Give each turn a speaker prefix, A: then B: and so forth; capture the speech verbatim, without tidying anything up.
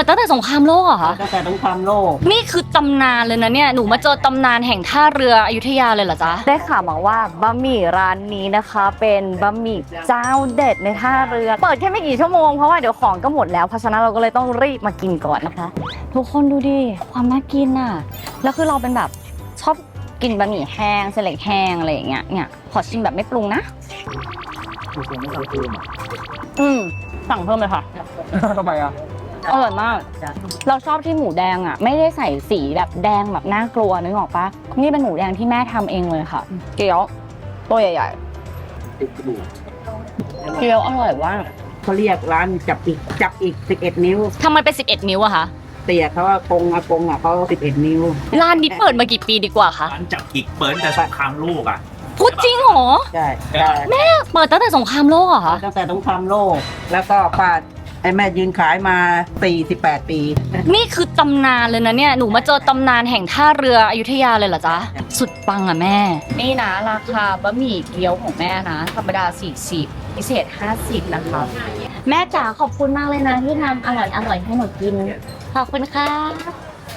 A: ดตั้งแต่สงครามโลกเหรอคะ
B: ตั้งแต่สงครามโลก
A: นี่คือตำนานเลยนะเนี่ยหนูมาเจอตำนานแห่งท่าเรืออยุธยาเลยเหรอจ๊ะได้ข่าวมาว่าบะหมี่ร้านนี้นะคะ เป็นบะหมี่เจ้าเด็ดในท่าเรือเปิดแค่ไม่กี่ชั่วโมงเพราะว่าเดี๋ยวของก็หมดแล้วเพราะฉะนั้นเราก็เลยต้องรีบมากินก่อนนะคะทุกคนดูดิความน่ากินอ่ะแล้วคือเราเป็นแบบชอบกินบะหมี่แห้งเส้นเล็กแห้งอะไรอย่างเงี้ยเนี่ยขอชิมแบบไม่ปรุงนะอืมสั่งเพิ่มเลยค่ะ
B: ทำไมอ่ะ
A: อร่อยมากเราชอบที่หมูแดงอ่ะไม่ได้ใส่สีแบบแดงแบบน่ากลัวนึกออกปะนี่เป็นหมูแดงที่แม่ทำเองเลยค่ะเกี๊ยวตัวใหญ่ๆเกี๊ยวอร่อยมาก
B: เขาเรียกร้านจับอีกจับอีกสิบเอ็ดนิ้ว
A: ทำไมเป็นสิบเอ็ดนิ้วอะคะ
B: เตี่ยเขาว่ากงอากงอ่ะเขาสิบเอ็ดนิ้ว
A: ร้านนี้เปิดมากี่ปีดีกว่าคะ
C: ร้านจับกิกเปิดแต่สงครามโลกอ่ะ
A: พูดจริงเหรอ
B: ใช่ใช่
A: เปิดตั้งแต่สงครามโลกเหรอคะ
B: ตั้งแต่สงครามโลก แล้วก็ป้าไอ้แม่ยืนขายมาสี่สิบแปดปี
A: นี่คือตำนานเลยนะเนี่ยหนูมาเจอตำนานแห่งท่าเรืออยุธยาเลยเหรอจ๊ะสุดปังอะแม่นี่นะราคาบะหมี่เกี๊ยวของแม่นะธรรมดาสี่สิบพิเศษห้าสิบนะคะแม่จ๋าขอบคุณมากเลยนะที่ทำอร่อยอร่อยให้หนูกินขอบคุณค่ะ